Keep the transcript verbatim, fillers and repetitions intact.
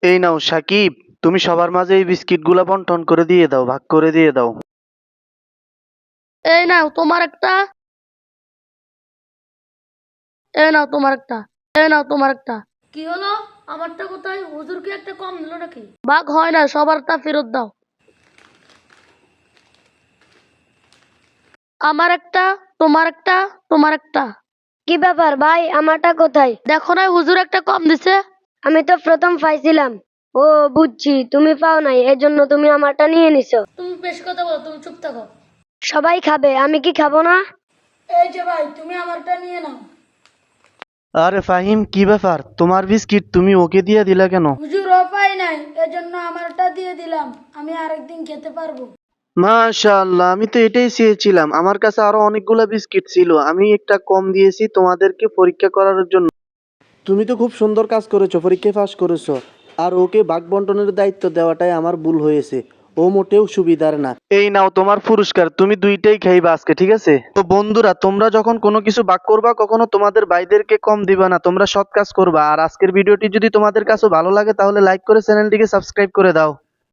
এই নাও সাকিব, তুমি সবার মাঝে এই বিস্কিটগুলা বন্টন করে দিয়ে দাও, ভাগ করে দিয়ে দাও। এই নাও তোমার একটা, এই নাও তোমার একটা, এই নাও তোমার একটা। কি হলো? আমারটা কোথায়? হুজুর কি একটা কম দিল নাকি? ভাগ হয় না, সবারটা ফেরত দাও। আমার একটা, তোমার একটা, তোমার একটা। কি ব্যাপার ভাই, আমারটা কোথায়? দেখো না হুজুর একটা কম দিছে। আমি তো প্রথম পাইছিলাম। ও বুঝছি, তুমি পাও নাই, এজন্য তুমি আমারটা নিয়ে নিছো। তুমি বেশ কথা বলো, তুমি চুপ থাকো। সবাই খাবে, আমি কি খাবো না? এই যে ভাই, তুমি আমারটা নিয়ে নাও। আরে ফাহিম, কি ব্যাপার? তোমার বিস্কিট তুমি ওকে দিয়ে দিলা কেন? হুজুর ও পাই নাই, এজন্য আমারটা দিয়ে দিলাম, আমি আরেকদিন খেতে পারবো। মাশাআল্লাহ, আমি তো এটাই চেয়েছিলাম। আমার কাছে আরো অনেকগুলা বিস্কিট ছিল, আমি একটা কম দিয়েছি তোমাদেরকে পরীক্ষা করার জন্য। তুমি তো খুব সুন্দর কাজ করেছো, পরীক্ষায় পাস করেছো। আর ওকে ভাগ বন্টনের দায়িত্ব দেওয়াটাই আমার ভুল হয়েছে। ও মোটেও সুবিধার না। এই নাও তোমার পুরস্কার, তুমি দুইটাই খাইবা আজকে, ঠিক আছে? তো বন্ধুরা, তোমরা যখন কোনো কিছু ভাগ করবা, কখনো তোমাদের ভাইদেরকে কম দিবা না, তোমরা সৎ কাজ করবা। আর আজকের ভিডিওটি যদি তোমাদের কাছে ভালো লাগে তাহলে লাইক করে চ্যানেলটিকে সাবস্ক্রাইব করে দাও।